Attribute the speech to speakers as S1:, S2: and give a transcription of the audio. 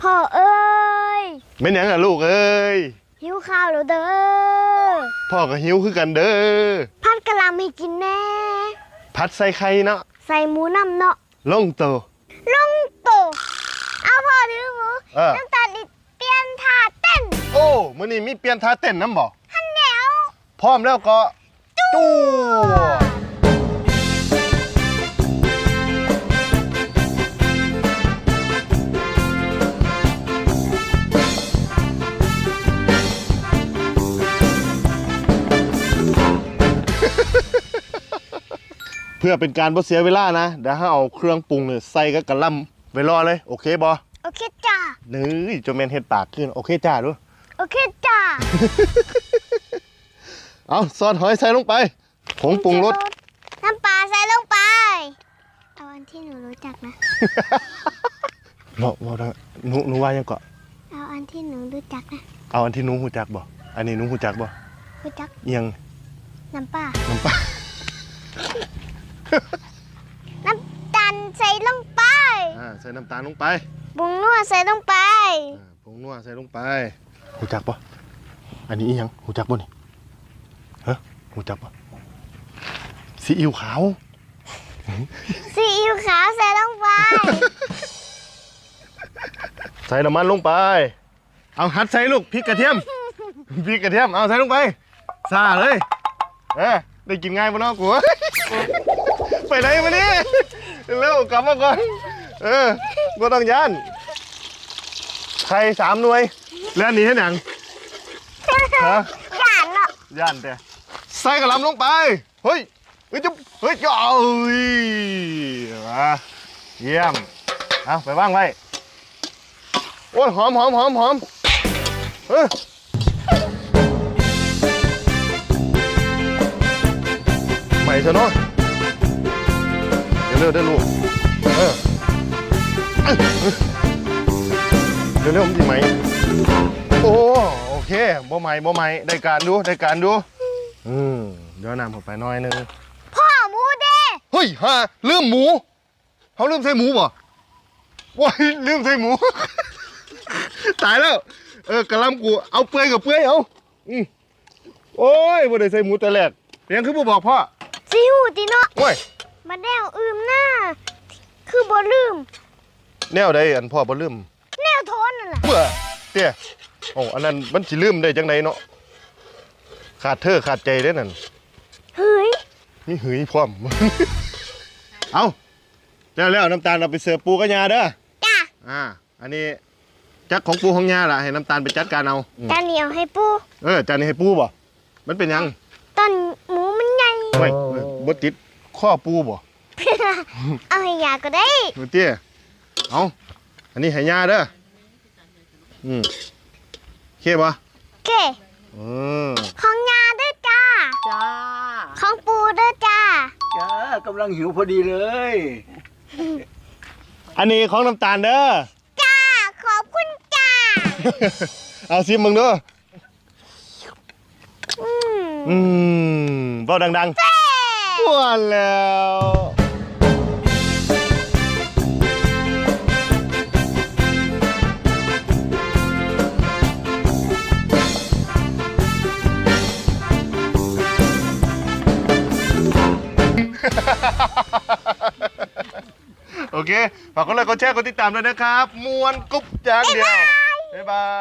S1: พ่อเอ้ย
S2: ไม่ยังอ่ะลูกเอ้ย
S1: หิวข้าวแล้วเด้อ
S2: พ่อก็หิวคือกันเด้อ
S1: พัดกะหล่ำให้กินแน่
S2: ผัดใส่ไข่เนาะ
S1: ใส่หมูน้ำเนาะ
S2: ลงโต
S1: เอาพ่อถือหมูน้ำตาลเปลี่ยนท่าเต้น
S2: โอ้มื้อนี้มีเปลี่ยนท่าเต้นน้ำบ่
S1: ฮันแนว
S2: พร้อมแล้วก็จู้เพื่อเป็นการบ่เสียเวลานะเดี๋ยวให้เอาเครื่องปรุงเนี่ยใส่กับกะหล่ำไว้รอเลยโอเคบ่
S1: โอเคจ้า
S2: นี่จะแม่นเฮ็ดปากขึ้นโอเคจ้าดู
S1: โอเคจ้า
S2: เอาซอสหอยใส่ลงไปผงปรุงรส
S1: น้ำปลาใส่ลงไปเอาอันที่หนูรู้จักนะ
S2: บอกนะหนูว่ายังเกาะ
S1: เอาอันที่หนูรู้จักนะ
S2: เอาอันที่หนูรู้จักบ่อันนี้หนูรู้จักบ่
S1: รู้จัก
S2: ยัง
S1: น้ำปลาน้ำตาลใส่ลงไป
S2: ใส่น้ำตาลลงไป
S1: ผงนัวใส่ลงไป
S2: ผงนัวใส่ลงไปหูจักปะอันนี้ยังหูจักปะนี่ฮะหูจักปะซีอิ๊วขาว
S1: ซีอิ๊วขาวใส่ลงไป
S2: ใส่น้ำมันลงไปเอาหัดใส่ลูกพริกกระเทียมเอาใส่ลงไปซาเลยได้กินง่ายปะน้องกูไปไหนมาเนี่ยเร็วกลับมาก่อนก็ต้องย่านใคร3 หน่วยแล้วนี่ให้หนังฮะ
S1: ย่านเนาะ
S2: ย่านแต่ใส่กระหล่ำลงไปเฮ้ยจุ๊บเฮ้ยจ้ามาเยี่ยมเอาไปว่างไว้โอ้ยหอมใหม่ซะเนาะเร็วได้ลูกเร็วมันดีไหมโอเคบ่ใหม่ได้การดูเดี๋ยวน้ำเข้าไปน้อยนึง
S1: พ่อหมูเด้
S2: เฮ้ยลืมหมูเขาลืมใส่หมูป่ะว้ายลืมใส่หมูตายแล้วกระลำกูเอาเปื่อยกับเปื่อยเอาโอ้ยบ่ได้ใส่หมูแต่แรกเรียนคือบ่บอกพ่อ
S1: สิหูติเนาะ
S2: โอ้ย
S1: มาแนวหน้าคือบ่ลืม
S2: แนวใดอันพ่อบ่ลืม
S1: แนวโทนนั่นแหละ
S2: เบื่อเตี้ยอันนั้นมันสิลืมได้จังไดเนาะขาดใจได้นั่น
S1: เฮ้ย
S2: มีหืยพร้อมเอาแล้วน้ำตาลเราไปเสิร์ฟปูกับยาเด้อ
S1: จ้า
S2: อันนี้จักของปูของยาล่ะให้น้ำตาลไปจัดการเอา
S1: จานเหนียวให้ปู
S2: จานนี้ให้ปูบ่มันเป็นยัง
S1: ตอนหมูมันใหญ่
S2: ไม่บ่ติดข้อปูบ่
S1: เอาให้ยาก็ได้
S2: เตี้ยเอาอันนี้ให้ยาเด้อโอเคป่ะ
S1: โอเคของยาด้วยจ้าของปูด้วยจ้
S3: ากำลังหิวพอดีเลย
S2: อันนี้ของน้ำตาลเด้อ
S1: จ้าขอบคุณจ้า
S2: เอาซิมมึงด้วยเบาดังๆว้าแล้วโอเคฝากกดไลค์กดแชร์กดติดตามด้วยนะครับมวนกุ๊บจางเดียวบ๊ายบาย